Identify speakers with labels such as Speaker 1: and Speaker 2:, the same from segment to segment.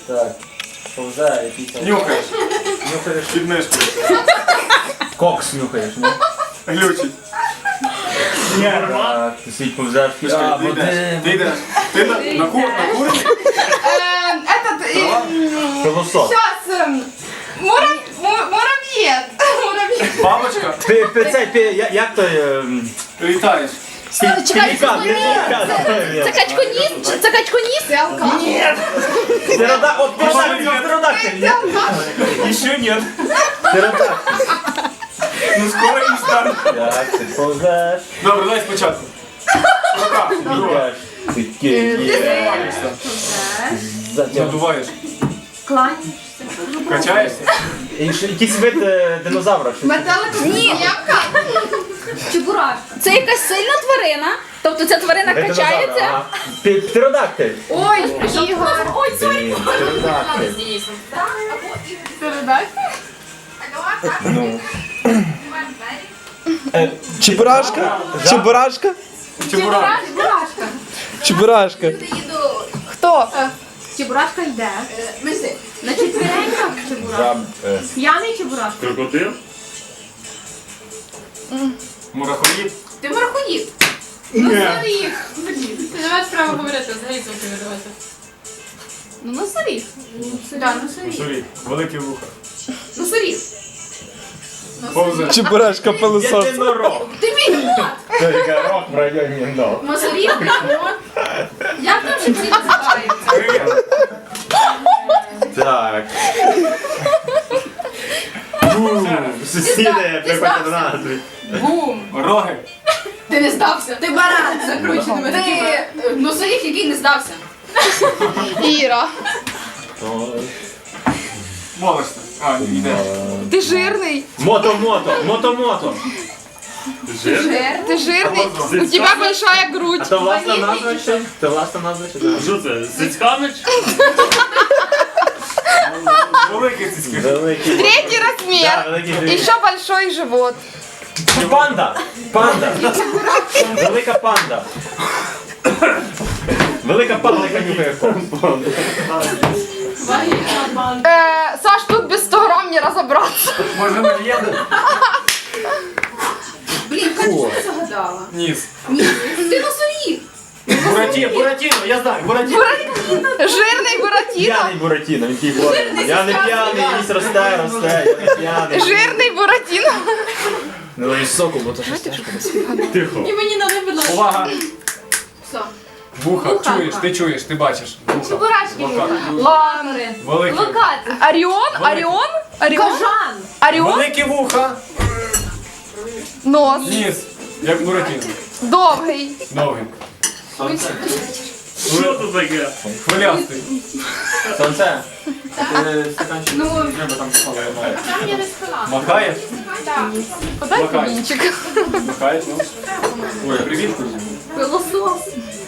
Speaker 1: Так. Повзає якийсь.
Speaker 2: Нюхаєш.
Speaker 1: Нюхаєш.
Speaker 2: Під мишкою.
Speaker 1: Кокс нюхаєш, ні?
Speaker 2: Глючить.
Speaker 1: Так, ти свій повзеш.
Speaker 2: Ти йдеш. Ти накурений?
Speaker 1: Пилосос.
Speaker 3: Сейчас, муравьед.
Speaker 2: Бабочка?
Speaker 1: Як той...
Speaker 2: Літаєш.
Speaker 1: Пелікан,
Speaker 4: Це качконіс? Це качконіс?
Speaker 1: Ні! Птеродактиль, ні?
Speaker 2: Еще нет.
Speaker 1: Птеродактиль.
Speaker 2: Ну скоро і стане.
Speaker 1: Так, ти повзеш.
Speaker 2: Добре, давай спочатку. Рука. Друга.
Speaker 1: Йдеш. Ти
Speaker 2: Надуваєшся. Надуваєш. Качаєшся.
Speaker 1: Якийсь вид динозавра.
Speaker 3: Метелик-зміявка. Чебурашка.
Speaker 4: Це якась сильна тварина? Тобто ця тварина качається?
Speaker 1: Птеродактиль.
Speaker 3: Ой, Ігор. Ой,
Speaker 1: Блін, Птеродактиль. Ну.
Speaker 5: Чебурашка? Чебурашка?
Speaker 2: Чебурашка.
Speaker 3: Чебурашка.
Speaker 5: Чебурашка.
Speaker 4: Хто?
Speaker 3: Чебурашка йде. На четвереньках чебурашка.
Speaker 1: Жаб.
Speaker 3: П'яний чебурашка.
Speaker 6: Крокодил?
Speaker 2: Мурахоїд.
Speaker 3: Ти марахоїд. Ну, заріг. Ти не маєш права говорити, взагалі звуки видавати. Ну, носоріг. Так, носоріг.
Speaker 2: Сорі. Великі вуха.
Speaker 3: Носоріг.
Speaker 2: Повзе.
Speaker 5: Чебурашка пилосос.
Speaker 1: Єдинорог.
Speaker 3: Ти бігот.
Speaker 1: Тільки рог в районі ног.
Speaker 3: Носоріг, бігот. Як там ще всі називаються?
Speaker 1: Так. Сусіди приходять до нас.
Speaker 3: Бум.
Speaker 2: Роги.
Speaker 3: Ти не здався. Ти баран закрученими. Ти носоріг, який не здався.
Speaker 4: Іра.
Speaker 2: Молишся. А, йде.
Speaker 4: Ти жирний.
Speaker 1: Мото.
Speaker 4: Ти жирний. У тебе большая грудь.
Speaker 1: А то власна назва ще? То власна назва ще? Так.
Speaker 6: Що це? Зицьканич?
Speaker 2: Великі цицьки.
Speaker 1: Великий.
Speaker 4: Третій
Speaker 1: Да,
Speaker 4: розмір.
Speaker 1: великий
Speaker 4: І
Speaker 1: живіт.
Speaker 4: ще большой живот.
Speaker 1: Панда. Велика панда. Велика панда, яка нюхає кокс.
Speaker 4: Саш, тут без 100 грам не розібратися.
Speaker 2: Може не в'єде?
Speaker 3: Блін, як ти загадала?
Speaker 2: Ніс.
Speaker 3: Ти носоріг.
Speaker 1: Буратіно, я знаю, Буратіно.
Speaker 4: Жирний Буратіно.
Speaker 1: П'яний Буратіно, він такий говорить. Я не п'яний, ніс росте, я не п'яний.
Speaker 4: Жирний Буратіно.
Speaker 1: Ну і соку, бо то щось тяжко. Тихо.
Speaker 3: І мені надо було.
Speaker 2: Увага.
Speaker 3: Все.
Speaker 2: Вуха. Чуєш, ти бачиш. Вуха.
Speaker 3: Чебурашки вуха.
Speaker 4: Ладно.
Speaker 2: Великі.
Speaker 3: Локати.
Speaker 4: Оріон?
Speaker 3: Кажан.
Speaker 4: Оріон?
Speaker 2: Великі вуха.
Speaker 4: Нос.
Speaker 2: Ніс. Як Буратіно.
Speaker 4: Довгий.
Speaker 2: Довгий.
Speaker 6: Що це таке?
Speaker 2: Хвилястий.
Speaker 1: Сонце. Стаканчик. Треба там спали.
Speaker 3: Там я не спила.
Speaker 2: Махає?
Speaker 4: Подай
Speaker 2: Макай.
Speaker 4: камінчик.
Speaker 2: Махає, ну. Ой, привіт.
Speaker 3: Пилосос.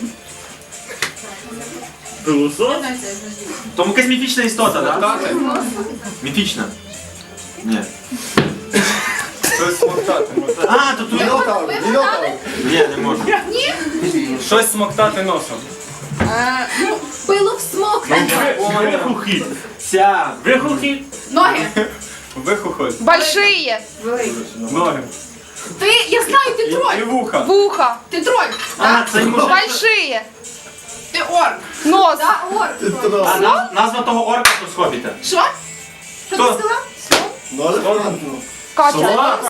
Speaker 6: Пилосос?
Speaker 1: Тому якась міфічна істота, так?
Speaker 2: Смоктати?
Speaker 1: Міфічна. Ні.
Speaker 2: Щось смоктати.
Speaker 1: А, то тут... Ні, не можу.
Speaker 2: Щось смоктати носом.
Speaker 3: Пилок смок.
Speaker 6: Вихухід.
Speaker 1: Ся.
Speaker 6: Вихухід.
Speaker 3: Ноги.
Speaker 2: Вихухоль.
Speaker 4: Большие.
Speaker 2: Ноги.
Speaker 3: Ти, я знаю, ти
Speaker 2: І
Speaker 3: троль.
Speaker 2: вуха.
Speaker 4: Вуха.
Speaker 3: Ти троль.
Speaker 1: А, це не може...
Speaker 4: Большие.
Speaker 3: Ти орк.
Speaker 4: Нос.
Speaker 3: Да, орк.
Speaker 1: А назва того орка то з Хобіта.
Speaker 3: Що? Що ти
Speaker 1: Хто?
Speaker 3: сказав?
Speaker 4: Катя.